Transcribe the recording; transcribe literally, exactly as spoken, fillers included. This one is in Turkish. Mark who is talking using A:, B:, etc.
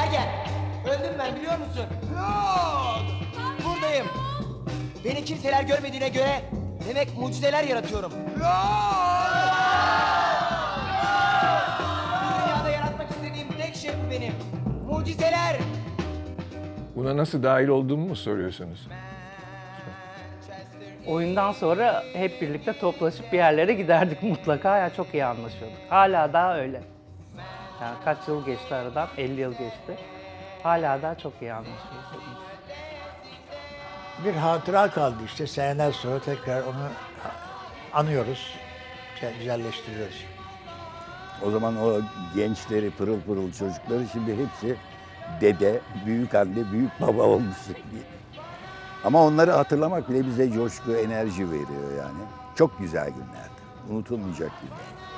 A: Sergen, öldüm ben biliyor musun? Buradayım. Beni kimseler görmediğine göre demek mucizeler yaratıyorum. Bu dünyada yaratmak istediğim tek şey bu benim. Mucizeler.
B: Buna nasıl dahil olduğumu mu soruyorsunuz?
C: Oyundan sonra hep birlikte toplaşıp bir yerlere giderdik mutlaka. Ya çok iyi anlaşıyorduk. Hala daha öyle. Yani kaç yıl geçti aradan? elli yıl geçti. Hala daha çok iyi anlaşıyoruz.
D: Bir hatıra kaldı işte seneler sonra tekrar onu anıyoruz, güzelleştiriyoruz.
E: O zaman o gençleri, pırıl pırıl çocukları şimdi hepsi dede, büyük anne, büyük baba olmuş. Ama onları hatırlamak bile bize coşku, enerji veriyor yani. Çok güzel günlerdi. Unutulmayacak günler.